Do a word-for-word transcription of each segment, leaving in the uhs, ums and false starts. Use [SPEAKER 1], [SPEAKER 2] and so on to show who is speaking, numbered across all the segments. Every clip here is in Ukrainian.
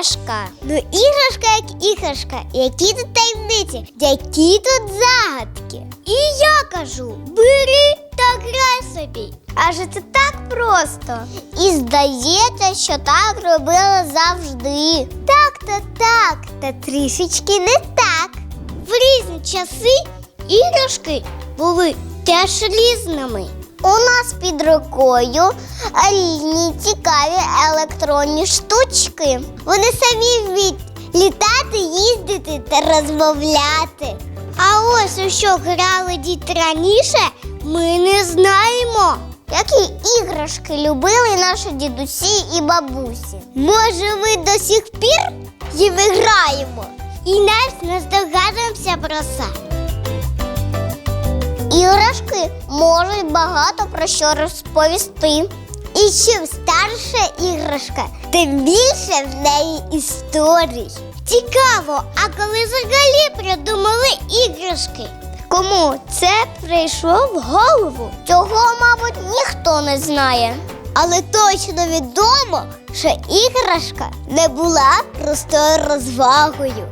[SPEAKER 1] іграшка. Ну іграшка як іграшка. Які тут таємниці, які тут загадки. І я кажу, бери та грай собі. Адже це так просто. І здається, що так робили завжди. Так, та так, та трішечки не так. В різні часи іграшки були теж різними. У нас під рукою різні цікаві електронні штучки. Вони самі вміють літати, їздити та розмовляти. А ось у що грали діти раніше, ми не знаємо. Які іграшки любили наші дідусі і бабусі? Може, ми до сих пір їм граємо? І навіть не здогадуємося про це. Іграшки можуть багато про що розповісти. І чим старша іграшка, тим більше в неї історій. Цікаво, а коли взагалі придумали іграшки? Кому це прийшло в голову? Цього, мабуть, ніхто не знає. Але точно відомо, що іграшка не була простою розвагою.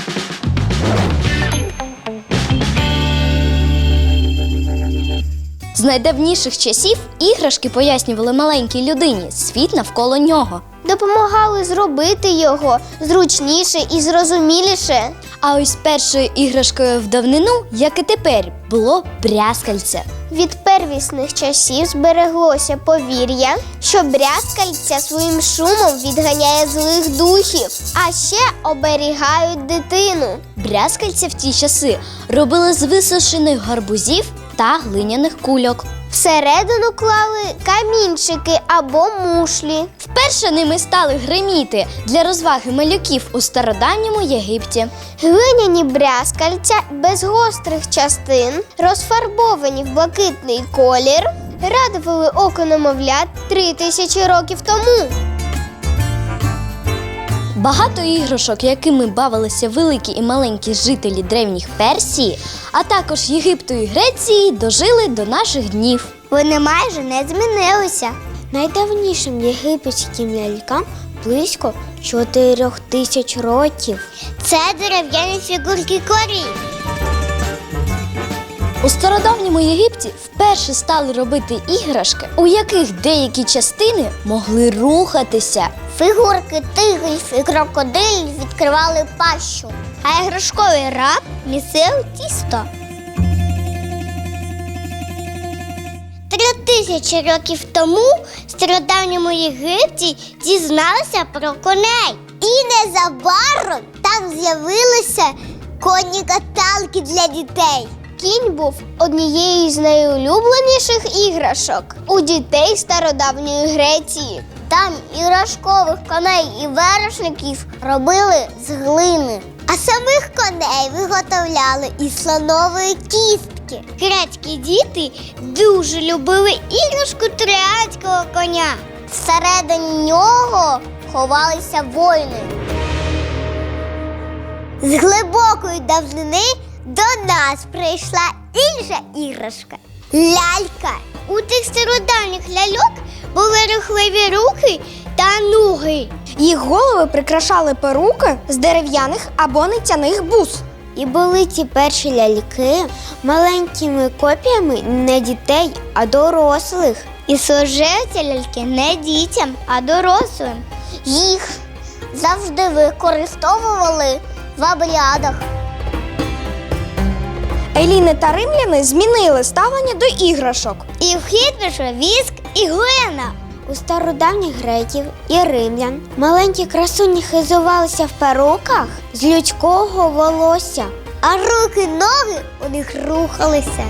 [SPEAKER 2] З найдавніших часів іграшки пояснювали маленькій людині світ навколо нього.
[SPEAKER 1] Допомагали зробити його зручніше і зрозуміліше.
[SPEAKER 2] А ось першою іграшкою в давнину, як і тепер, було брязкальце.
[SPEAKER 1] Від первісних часів збереглося повір'я, що брязкальця своїм шумом відганяє злих духів, а ще оберігають дитину.
[SPEAKER 2] Брязкальця в ті часи робили з висушених гарбузів та глиняних кульок.
[SPEAKER 1] Всередину клали камінчики або мушлі.
[SPEAKER 2] Вперше ними стали гриміти для розваги малюків у стародавньому Єгипті.
[SPEAKER 1] Глиняні брязкальця без гострих частин, розфарбовані в блакитний колір, радували око немовлят три тисячі років тому.
[SPEAKER 2] Багато іграшок, якими бавилися великі і маленькі жителі древніх Персії, а також Єгипту і Греції, дожили до наших днів.
[SPEAKER 1] Вони майже не змінилися. Найдавнішим єгипетським лялькам близько чотирьох тисяч років. Це дерев'яні фігурки корів.
[SPEAKER 2] У стародавньому Єгипті вперше стали робити іграшки, у яких деякі частини могли рухатися.
[SPEAKER 1] Фігурки тигрів і крокодилів відкривали пащу, а іграшковий раб місив тісто. Три тисячі років тому в стародавньому Єгипті дізналися про коней. І незабаром там з'явилися конні каталки для дітей. Кінь був однією з найулюбленіших іграшок у дітей стародавньої Греції. Там іграшкових коней і вершників робили з глини, а самих коней виготовляли із слонової кістки. Грецькі діти дуже любили іграшку троянського коня. Всередині нього ховалися воїни. З глибокої давнини до нас прийшла інша іграшка – лялька. У тих стародавніх ляльок були рухливі руки та ноги.
[SPEAKER 3] Їх голови прикрашали перуки з дерев'яних або нитяних бус.
[SPEAKER 1] І були ці перші ляльки маленькими копіями не дітей, а дорослих. І служили ці ляльки не дітям, а дорослим. Їх завжди використовували в обрядах.
[SPEAKER 3] Еліни та римляни змінили ставлення до іграшок.
[SPEAKER 1] І в хід пішов віск і глина. У стародавніх греків і римлян маленькі красуні хизувалися в перуках з людського волосся, а руки-ноги у них рухалися.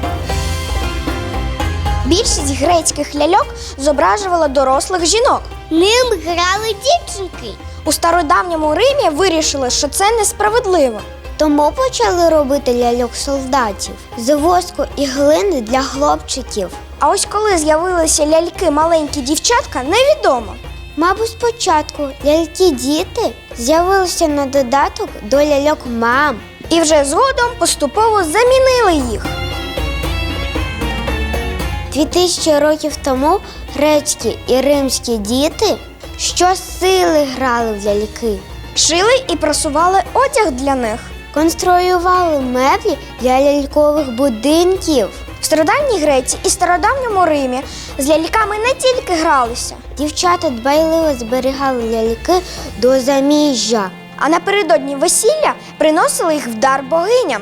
[SPEAKER 3] Більшість грецьких ляльок зображувала дорослих жінок.
[SPEAKER 1] Ним грали дівчинки.
[SPEAKER 3] У стародавньому Римі вирішили, що це несправедливо.
[SPEAKER 1] Тому почали робити ляльок-солдатів з воску і глини для хлопчиків.
[SPEAKER 3] А ось коли з'явилися ляльки маленькі дівчатка, невідомо.
[SPEAKER 1] Мабуть, спочатку ляльки-діти з'явилися на додаток до ляльок-мам.
[SPEAKER 3] І вже згодом поступово замінили їх.
[SPEAKER 1] Дві тисячі років тому грецькі і римські діти щосили грали в ляльки.
[SPEAKER 3] шили і просували одяг для них.
[SPEAKER 1] Конструювали меблі для лялькових будинків.
[SPEAKER 3] В стародавній Греції і стародавньому Римі з ляльками не тільки гралися,
[SPEAKER 1] Дівчата дбайливо зберігали ляльки до заміжжя.
[SPEAKER 3] а напередодні весілля приносили їх в дар богиням.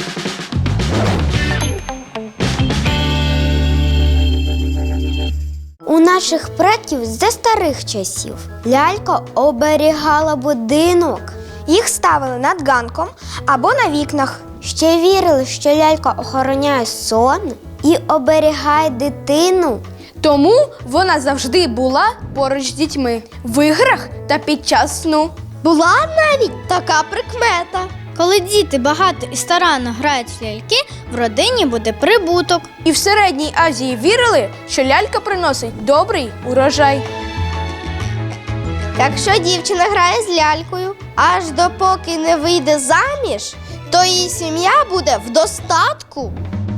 [SPEAKER 1] У наших предків за старих часів лялька оберігала будинок.
[SPEAKER 3] Їх ставили над ганком або на вікнах.
[SPEAKER 1] Ще вірили, що лялька охороняє сон і оберігає дитину.
[SPEAKER 4] Тому вона завжди була поруч з дітьми в іграх та під час сну.
[SPEAKER 3] Була навіть така прикмета.
[SPEAKER 5] Коли діти багато і старанно грають в ляльки, в родині буде прибуток.
[SPEAKER 4] І в Середній Азії вірили, що лялька приносить добрий урожай.
[SPEAKER 3] Якщо дівчина грає з лялькою, аж допоки не вийде заміж, то її сім'я буде в достатку.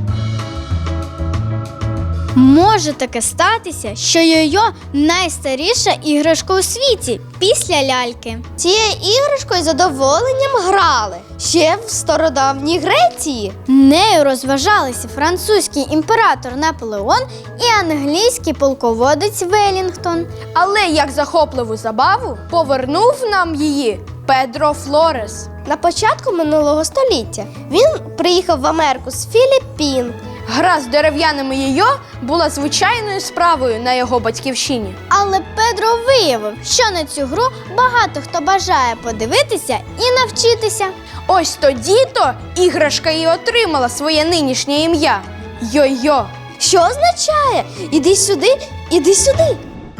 [SPEAKER 5] Може таке статися, що йо-йо – найстаріша іграшка у світі після ляльки.
[SPEAKER 3] Цією іграшкою з задоволенням грали ще в стародавній Греції.
[SPEAKER 5] Нею розважалися французький імператор Наполеон і англійський полководець Велінгтон.
[SPEAKER 4] Але як захопливу забаву повернув нам її Педро Флорес.
[SPEAKER 3] На початку минулого століття він приїхав в Америку з Філіппін.
[SPEAKER 4] Гра з дерев'яними йо була звичайною справою на його батьківщині.
[SPEAKER 5] Але Педро виявив, що на цю гру багато хто бажає подивитися і навчитися.
[SPEAKER 4] Ось тоді-то іграшка і отримала своє нинішнє ім'я – йо-йо.
[SPEAKER 3] Що означає? Іди сюди, іди сюди.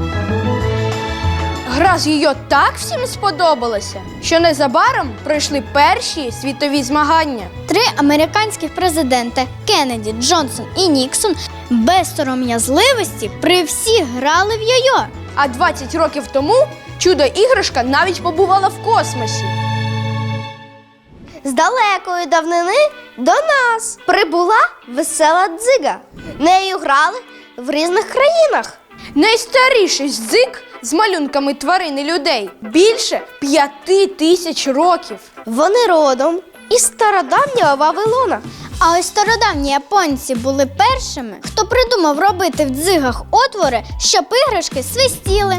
[SPEAKER 4] Гра з йо так всім сподобалася, що незабаром пройшли перші світові змагання.
[SPEAKER 5] Три американських президенти – Кеннеді, Джонсон і Ніксон – без сором'язливості при всіх грали в йо-йо.
[SPEAKER 4] А двадцять років тому чудо-іграшка навіть побувала в космосі.
[SPEAKER 3] З далекої давнини до нас прибула весела дзига. Нею грали в різних країнах.
[SPEAKER 4] Найстаріший дзик з малюнками тварин і людей більше п'яти тисяч років.
[SPEAKER 3] Вони родом із стародавнього Вавилона.
[SPEAKER 5] А ось стародавні японці були першими, хто придумав робити в дзигах отвори, щоб іграшки свистіли.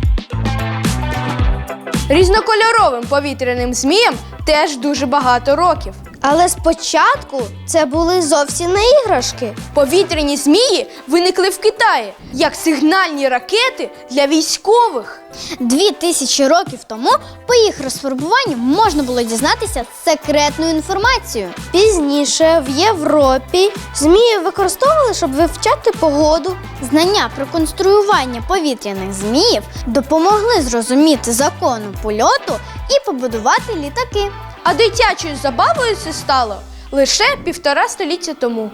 [SPEAKER 4] Різнокольоровим повітряним зміям теж дуже багато років.
[SPEAKER 3] Але спочатку це були зовсім не іграшки.
[SPEAKER 4] Повітряні змії виникли в Китаї як сигнальні ракети для військових.
[SPEAKER 5] Дві тисячі років тому по їх розфарбуванню можна було дізнатися секретну інформацію.
[SPEAKER 3] Пізніше в Європі змії використовували, щоб вивчати погоду.
[SPEAKER 5] Знання про конструювання повітряних зміїв допомогли зрозуміти закону польоту і побудувати літаки.
[SPEAKER 4] А дитячою забавою це стало лише півтора століття тому.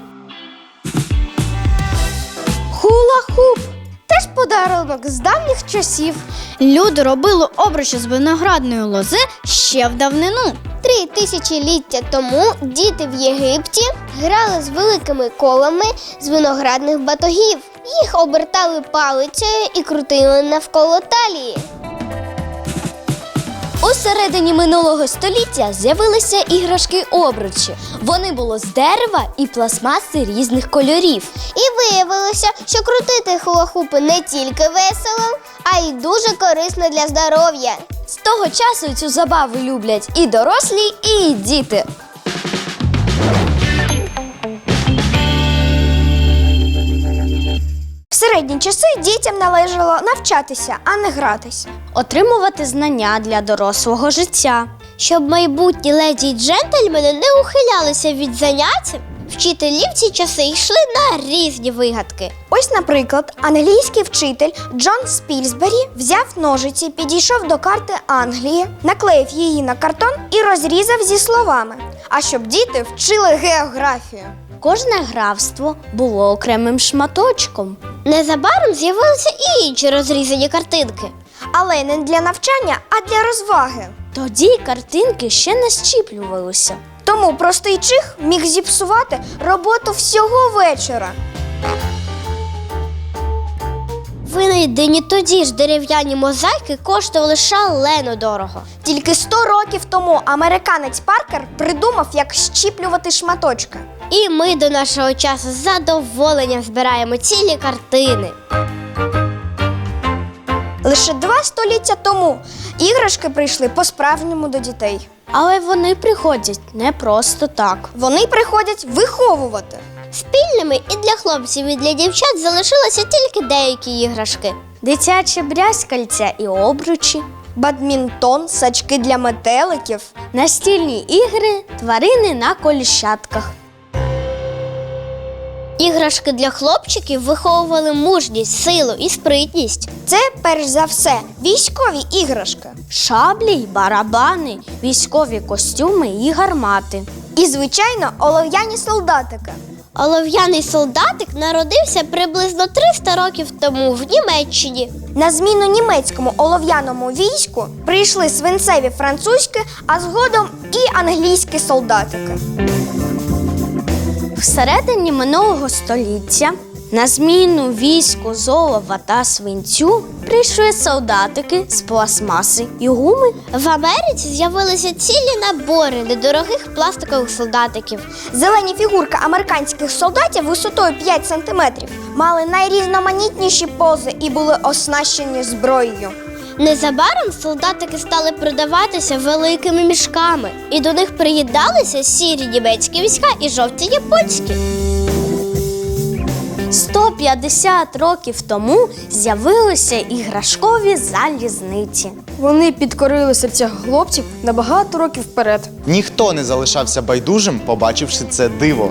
[SPEAKER 3] Хула-хуп – теж подарунок з давніх часів.
[SPEAKER 5] Люди робили обручі з виноградної лози ще в давнину.
[SPEAKER 1] Три тисячоліття тому діти в Єгипті грали з великими колами з виноградних батогів. Їх обертали палицею і крутили навколо талії.
[SPEAKER 2] У середині минулого століття з'явилися іграшки-обручі. Вони були з дерева і пластмаси різних кольорів.
[SPEAKER 1] І виявилося, що крутити хула-хупи не тільки весело, а й дуже корисно для здоров'я.
[SPEAKER 2] З того часу цю забаву люблять і дорослі, і діти.
[SPEAKER 3] В середні часи дітям належало навчатися, а не гратись.
[SPEAKER 2] Отримувати знання для дорослого життя.
[SPEAKER 1] Щоб майбутні леді й джентльмени не ухилялися від занять, вчителі в ці часи йшли на різні вигадки.
[SPEAKER 3] Ось, наприклад, англійський вчитель Джон Спільсбері взяв ножиці, підійшов до карти Англії, наклеїв її на картон і розрізав зі словами. А щоб діти вчили географію.
[SPEAKER 2] Кожне графство було окремим шматочком.
[SPEAKER 1] Незабаром з'явилися і інші розрізані картинки.
[SPEAKER 3] Але не для навчання, а для розваги.
[SPEAKER 2] Тоді картинки ще не щіплювалися.
[SPEAKER 3] Тому простий чих міг зіпсувати роботу всього вечора.
[SPEAKER 1] Винайдені Знайдені тоді ж дерев'яні мозаїки коштували шалено дорого.
[SPEAKER 3] Тільки сто років тому американець Паркер придумав, як щіплювати шматочки.
[SPEAKER 1] І ми до нашого часу з задоволенням збираємо цілі картини.
[SPEAKER 3] Лише два століття тому іграшки прийшли по-справжньому до дітей.
[SPEAKER 5] Але вони приходять не просто так.
[SPEAKER 3] Вони приходять виховувати.
[SPEAKER 1] Спільними і для хлопців, і для дівчат залишилися тільки деякі іграшки.
[SPEAKER 5] Дитяче брязкальця і обручі,
[SPEAKER 3] Бадмінтон, сачки для метеликів.
[SPEAKER 5] настільні ігри, тварини на коліщатках.
[SPEAKER 1] Іграшки для хлопчиків виховували мужність, силу і спритність.
[SPEAKER 3] Це, перш за все, військові іграшки.
[SPEAKER 5] Шаблі й барабани, військові костюми і гармати.
[SPEAKER 3] І, звичайно, олов'яні солдатики.
[SPEAKER 1] Олов'яний солдатик народився приблизно триста років тому в Німеччині.
[SPEAKER 3] На зміну німецькому олов'яному війську прийшли свинцеві французькі, а згодом і англійські солдатики.
[SPEAKER 5] Всередині минулого століття на зміну війську з олова та свинцю прийшли солдатики з пластмаси і гуми.
[SPEAKER 1] В Америці з'явилися цілі набори недорогих пластикових солдатиків.
[SPEAKER 3] Зелені фігурки американських солдатів висотою п'ять сантиметрів мали найрізноманітніші пози і були оснащені зброєю.
[SPEAKER 1] Незабаром солдатики стали продаватися великими мішками, і до них приєдналися сірі німецькі війська і жовті японські.
[SPEAKER 5] сто п'ятдесят років тому з'явилися іграшкові залізниці.
[SPEAKER 4] Вони підкорили серця хлопців на багато років вперед.
[SPEAKER 6] Ніхто не залишався байдужим, побачивши це диво.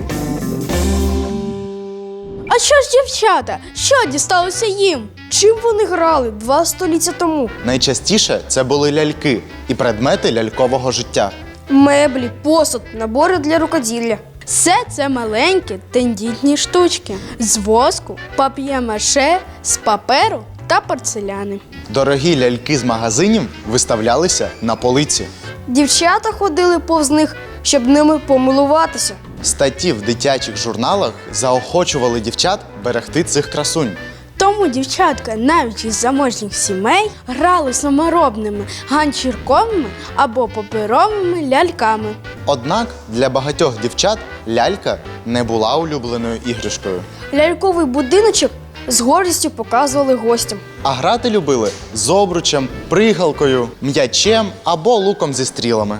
[SPEAKER 4] А що ж дівчата? Що дісталося їм? Чим вони грали два століття тому?
[SPEAKER 6] Найчастіше це були ляльки і предмети лялькового життя.
[SPEAKER 4] Меблі, посуд, набори для рукоділля. Все це маленькі тендітні штучки з воску, пап'є-маше, з паперу та порцеляни.
[SPEAKER 6] Дорогі ляльки з магазинів виставлялися на полиці.
[SPEAKER 4] Дівчата ходили повз них, щоб ними помилуватися.
[SPEAKER 6] Статті в дитячих журналах заохочували дівчат берегти цих красунь.
[SPEAKER 4] Тому дівчатка навіть із заможніх сімей грали саморобними ганчірковими або паперовими ляльками.
[SPEAKER 6] Однак для багатьох дівчат лялька не була улюбленою іграшкою.
[SPEAKER 4] Ляльковий будиночок з гордістю показували гостям.
[SPEAKER 6] А грати любили з обручем, пригалкою, м'ячем або луком зі стрілами.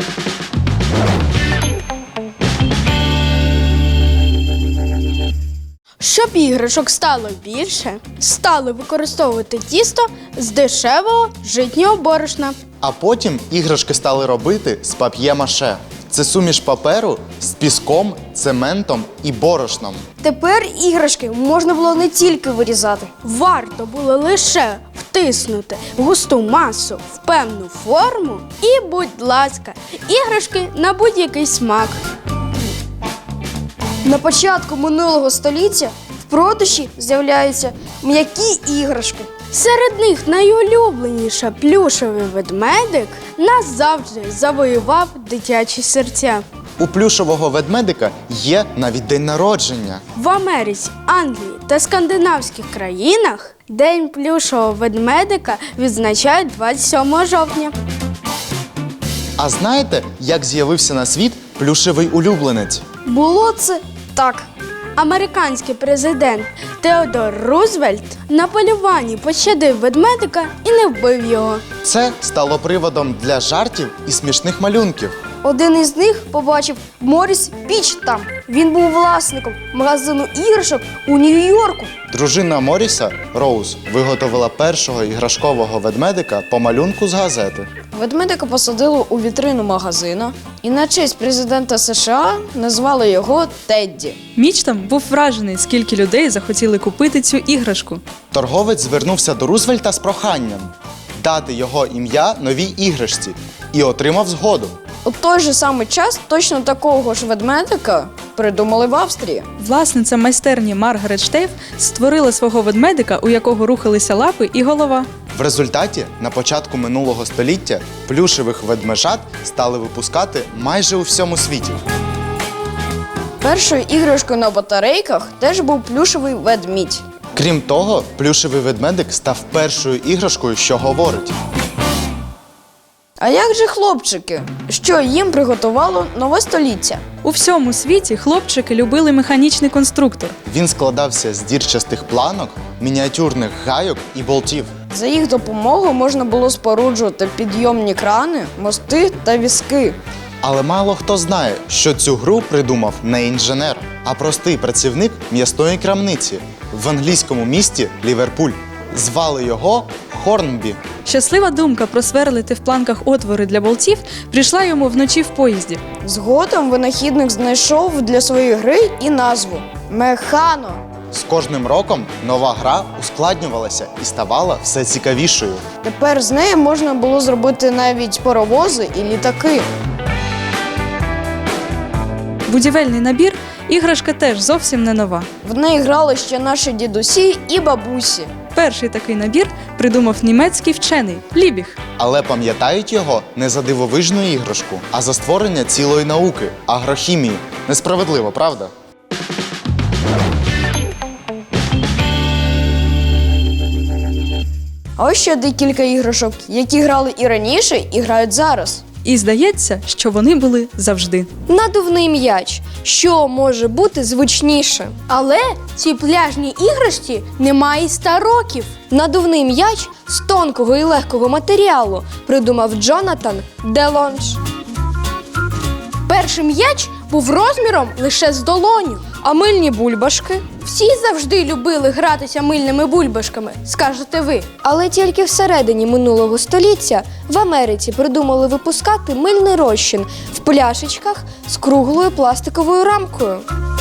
[SPEAKER 4] Щоб іграшок стало більше, стали використовувати тісто з дешевого житнього борошна.
[SPEAKER 6] А потім іграшки стали робити з пап'є-маше. Це суміш паперу з піском, цементом і борошном.
[SPEAKER 4] Тепер іграшки можна було не тільки вирізати. Варто було лише втиснути густу масу в певну форму і, будь ласка, іграшки на будь-який смак. На початку минулого століття в продажі з'являються м'які іграшки. Серед них найулюбленіша плюшевий ведмедик назавжди завоював дитячі серця.
[SPEAKER 6] У плюшового ведмедика є навіть день народження.
[SPEAKER 4] В Америці, Англії та скандинавських країнах День плюшового ведмедика відзначають двадцять сьомого жовтня.
[SPEAKER 6] А знаєте, як з'явився на світ плюшевий улюбленець?
[SPEAKER 4] Було це так. Американський президент Теодор Рузвельт на полюванні пощадив ведмедика і не вбив його.
[SPEAKER 6] Це стало приводом для жартів і смішних малюнків.
[SPEAKER 4] Один із них побачив Моріс Пічтам. Він був власником магазину іграшок у Нью-Йорку.
[SPEAKER 6] Дружина Моріса, Роуз, виготовила першого іграшкового ведмедика по малюнку з газети.
[SPEAKER 7] Ведмедика посадили у вітрину магазину і на честь президента США назвали його Тедді.
[SPEAKER 8] Мічтам був вражений, скільки людей захотіли купити цю іграшку.
[SPEAKER 6] Торговець звернувся до Рузвельта з проханням дати його ім'я новій іграшці і отримав згоду.
[SPEAKER 7] У той же самий час точно такого ж ведмедика придумали в Австрії.
[SPEAKER 8] Власниця майстерні Маргарет Штейф створила свого ведмедика, у якого рухалися лапи і голова.
[SPEAKER 6] В результаті на початку минулого століття плюшевих ведмежат стали випускати майже у всьому світі.
[SPEAKER 7] Першою іграшкою на батарейках теж був плюшевий ведмідь.
[SPEAKER 6] Крім того, плюшевий ведмедик став першою іграшкою, що говорить.
[SPEAKER 7] А як же хлопчики? Що їм приготувало нове століття?
[SPEAKER 8] У всьому світі хлопчики любили механічний конструктор.
[SPEAKER 6] Він складався з дірчастих планок, мініатюрних гайок і болтів.
[SPEAKER 7] За їх допомогою можна було споруджувати підйомні крани, мости та візки.
[SPEAKER 6] Але мало хто знає, що цю гру придумав не інженер, а простий працівник м'ясної крамниці в англійському місті Ліверпуль. Звали його Хорнбі.
[SPEAKER 8] Щаслива думка просверлити в планках отвори для болтів прийшла йому вночі в поїзді.
[SPEAKER 7] Згодом винахідник знайшов для своєї гри і назву Механо.
[SPEAKER 6] З кожним роком нова гра ускладнювалася і ставала все цікавішою.
[SPEAKER 7] Тепер з нею можна було зробити навіть паровози і літаки.
[SPEAKER 8] Будівельний набір – іграшка теж зовсім не нова.
[SPEAKER 7] В неї грали ще наші дідусі і бабусі.
[SPEAKER 8] Перший такий набір придумав німецький вчений Лібіг.
[SPEAKER 6] Але пам'ятають його не за дивовижну іграшку, а за створення цілої науки – агрохімії. Несправедливо, правда?
[SPEAKER 7] А ось ще декілька іграшок, які грали і раніше, і грають зараз.
[SPEAKER 8] І здається, що вони були завжди.
[SPEAKER 3] Надувний м'яч. Що може бути звичніше?
[SPEAKER 4] Але цій пляжній іграшці немає й ста років.
[SPEAKER 3] Надувний м'яч з тонкого і легкого матеріалу придумав Джонатан Делонж.
[SPEAKER 4] Перший м'яч був розміром лише з долоню.
[SPEAKER 3] А мильні бульбашки?
[SPEAKER 4] Всі завжди любили гратися мильними бульбашками, скажете ви.
[SPEAKER 3] Але тільки всередині минулого століття в Америці придумали випускати мильний розчин в пляшечках з круглою пластиковою рамкою.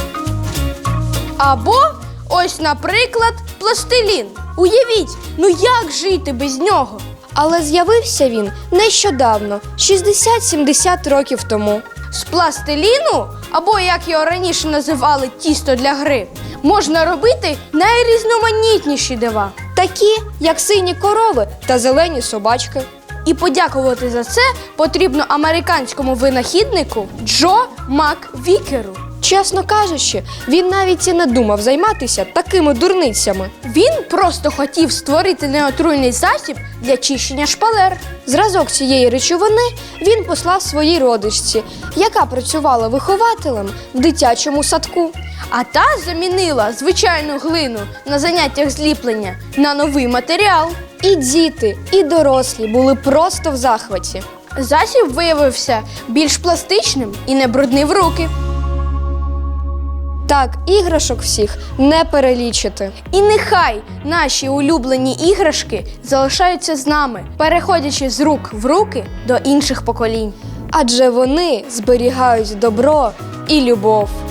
[SPEAKER 4] Або ось, наприклад, пластилін. Уявіть, ну як жити без нього?
[SPEAKER 3] Але з'явився він нещодавно, шістдесят-сімдесят років тому.
[SPEAKER 4] З пластиліну, або як його раніше називали тісто для гри, можна робити найрізноманітніші дива.
[SPEAKER 3] Такі, як сині корови та зелені собачки.
[SPEAKER 4] І подякувати за це потрібно американському винахіднику Джо Маквікеру.
[SPEAKER 3] Чесно кажучи, він навіть і не думав займатися такими дурницями.
[SPEAKER 4] Він просто хотів створити неотруйний засіб для чищення шпалер.
[SPEAKER 3] Зразок цієї речовини він послав своїй родичці, яка працювала вихователем в дитячому садку.
[SPEAKER 4] А та замінила звичайну глину на заняттях зліплення на новий матеріал.
[SPEAKER 3] І діти, і дорослі були просто в захваті.
[SPEAKER 4] Засіб виявився більш пластичним і не бруднив руки.
[SPEAKER 3] Так, іграшок всіх не перелічити.
[SPEAKER 4] І нехай наші улюблені іграшки залишаються з нами, переходячи з рук в руки до інших поколінь.
[SPEAKER 3] Адже вони зберігають добро і любов.